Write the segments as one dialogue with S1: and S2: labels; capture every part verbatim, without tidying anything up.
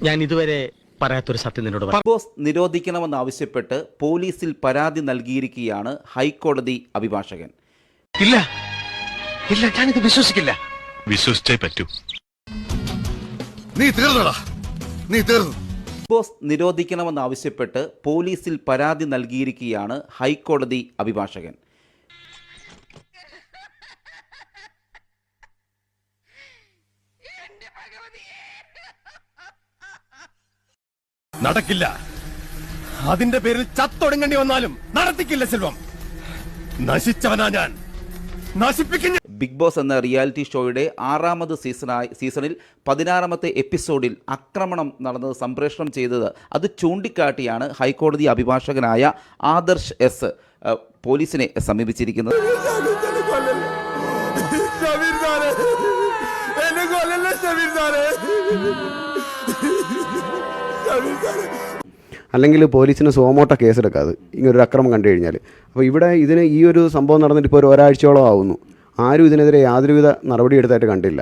S1: ഞാൻ ഇതുവരെ പറയാത്തൊരു സത്യം നിന്നോട്
S2: ബിഗ് ബോസ് നിരോധിക്കണമെന്നാവശ്യപ്പെട്ട് പോലീസിൽ പരാതി നൽകിയിരിക്കുകയാണ് ഹൈക്കോടതി അഭിഭാഷകൻ.
S3: ഇല്ല ഇല്ല ഞാനിത് വിശ്വസിക്കില്ല. വിശ്വസിച്ചേ പറ്റൂ. നീ തീർന്നടാ, നീ തീർന്നു.
S2: ബിഗ് ബോസ് നിരോധിക്കണമെന്നാവശ്യപ്പെട്ട് പോലീസിൽ പരാതി നൽകിയിരിക്കുകയാണ് ഹൈക്കോടതി അഭിഭാഷകൻ.
S3: നടക്കില്ല. അതിന്റെ പേരിൽ ചത്തൊടുങ്ങേണ്ടി വന്നാലും നടത്തിക്കില്ല സെൽവം. നശിച്ചവനാ ഞാൻ, നശിപ്പിക്കുന്ന.
S2: ബിഗ് ബോസ് എന്ന റിയാലിറ്റി ഷോയുടെ ആറാമത് സീസണായി സീസണിൽ പതിനാറാമത്തെ എപ്പിസോഡിൽ ആക്രമണം നടന്നത് സംപ്രേഷണം ചെയ്തത് അത് ചൂണ്ടിക്കാട്ടിയാണ് ഹൈക്കോടതി അഭിഭാഷകനായ ആദർശ് എസ് പോലീസിനെ സമീപിച്ചിരിക്കുന്നത്.
S4: അല്ലെങ്കിൽ പോലീസിന് സോമോട്ട കേസെടുക്കാതെ ഇങ്ങനൊരു അക്രമം കണ്ടു കഴിഞ്ഞാൽ. അപ്പോൾ ഇവിടെ ഇതിന് ഈ ഒരു സംഭവം നടന്നിട്ട് ഇപ്പോൾ ഒരു ഒരാഴ്ചയോളം ആവുന്നു. ആരും ഇതിനെതിരെ യാതൊരുവിധ നടപടി എടുത്തായിട്ട് കണ്ടില്ല.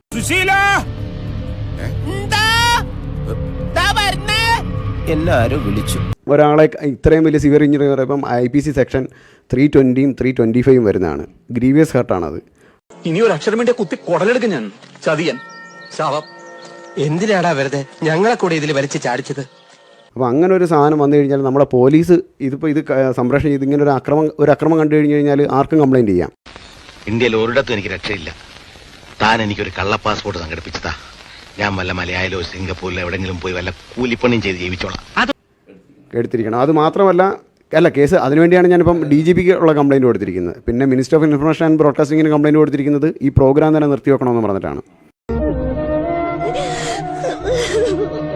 S1: എല്ലാവരും വിളിച്ചു.
S4: ഒരാളെ ഇത്രയും വലിയ സിവിയർ ഇഞ്ചുറി പറയുമ്പം I P C section three ട്വൻറ്റിയും ത്രീ ട്വൻറ്റി ഫൈവും വരുന്നതാണ്. ഗ്രീവിയസ് ഹർട്ടാണത്.
S5: ഇനി ഒരു അക്ഷരം വേണ്ടി കുത്തി കൊടലെടുക്കും ഞാൻ. ചതിയൻ ശാപം. എന്തിനാടാ വെറുതെ ഞങ്ങളെ കൂടെ ഇതിൽ വലിച്ച് ചാടിച്ചത്?
S4: അപ്പോൾ അങ്ങനെ ഒരു സാധനം വന്നു കഴിഞ്ഞാൽ നമ്മളെ പോലീസ് ഇതിപ്പോൾ ഇത് സംപ്രേഷണം ചെയ്ത് ഇങ്ങനെ ഒരു അക്രമം ഒരു അക്രമം കണ്ടു കഴിഞ്ഞ് കഴിഞ്ഞാൽ ആർക്കും കംപ്ലയിൻറ്റ് ചെയ്യാം.
S6: ഇന്ത്യയിൽ ഒരിടത്തും എനിക്ക് രക്ഷയില്ല. താൻ എനിക്കൊരു കള്ള പാസ്പോർട്ട് സംഘടിപ്പിച്ചതാ. ഞാൻ വല്ല മലയാളിലോ സിംഗപ്പൂരിലോ എവിടെയെങ്കിലും പോയി വല്ല കൂലിപ്പണിയും ചെയ്ത് ജീവിച്ചോളാം.
S4: എടുത്തിരിക്കണം. അത് മാത്രമല്ല അല്ല കേസ് അതിനുവേണ്ടിയാണ് ഞാനിപ്പം ഡി ജി പിക്ക് ഉള്ള കംപ്ലയിൻറ്റ് കൊടുത്തിരിക്കുന്നത്. പിന്നെ മിനിസ്റ്റർ ഓഫ് ഇൻഫർമേഷൻ ആൻഡ് ബ്രോഡ്കാസ്റ്റിങ്ങിന് കംപ്ലയിൻറ്റ് കൊടുത്തിരിക്കുന്നത് ഈ പ്രോഗ്രാം തന്നെ നിർത്തി വെക്കണമെന്ന് പറഞ്ഞിട്ടാണ്.